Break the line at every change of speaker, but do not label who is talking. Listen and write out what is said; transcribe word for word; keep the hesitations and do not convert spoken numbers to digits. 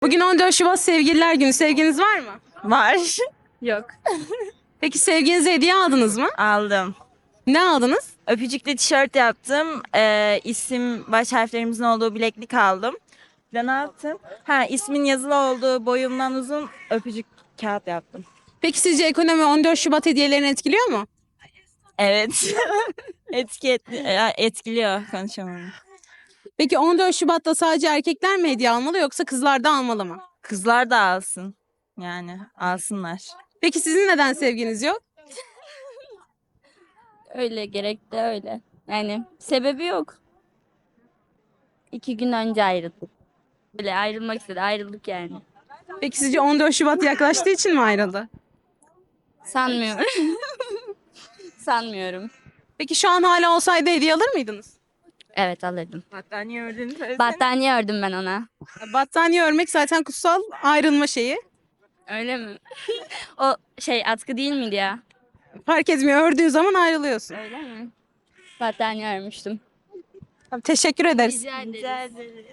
Bugün on dört Şubat Sevgililer Günü. Sevginiz var mı?
Var.
Yok.
Peki sevginize hediye aldınız mı?
Aldım.
Ne aldınız?
Öpücüklü tişört yaptım. Ee, isim baş harflerimizin olduğu bileklik aldım. Bir de ne yaptım? Ha, ismin yazılı olduğu boyumdan uzun öpücük kağıt yaptım.
Peki sizce ekonomi on dört Şubat hediyelerini etkiliyor mu?
Evet. Etki et, e, etkiliyor konuşamam.
Peki on dört Şubat'ta sadece erkekler mi hediye almalı yoksa kızlar da almalı mı?
Kızlar da alsın. Yani alsınlar.
Peki sizin neden sevginiz yok?
Öyle gerekti öyle. Yani sebebi yok. İki gün önce ayrıldık. Böyle ayrılmak istedi. Ayrıldık yani.
Peki sizce on dört Şubat yaklaştığı için mi ayrıldı?
Sanmıyorum. Sanmıyorum.
Peki şu an hala olsaydı hediye alır mıydınız?
Evet alırdım.
Battaniye ördüğünü söylesene.
Battaniye ördüm ben ona.
Battaniye örmek zaten kutsal ayrılma şeyi.
Öyle mi? O şey atkı değil miydi ya?
Fark etmiyor, ördüğü zaman ayrılıyorsun.
Öyle mi? Battaniye örmüştüm.
Teşekkür ederiz.
Rica ederim.
Rica ederim.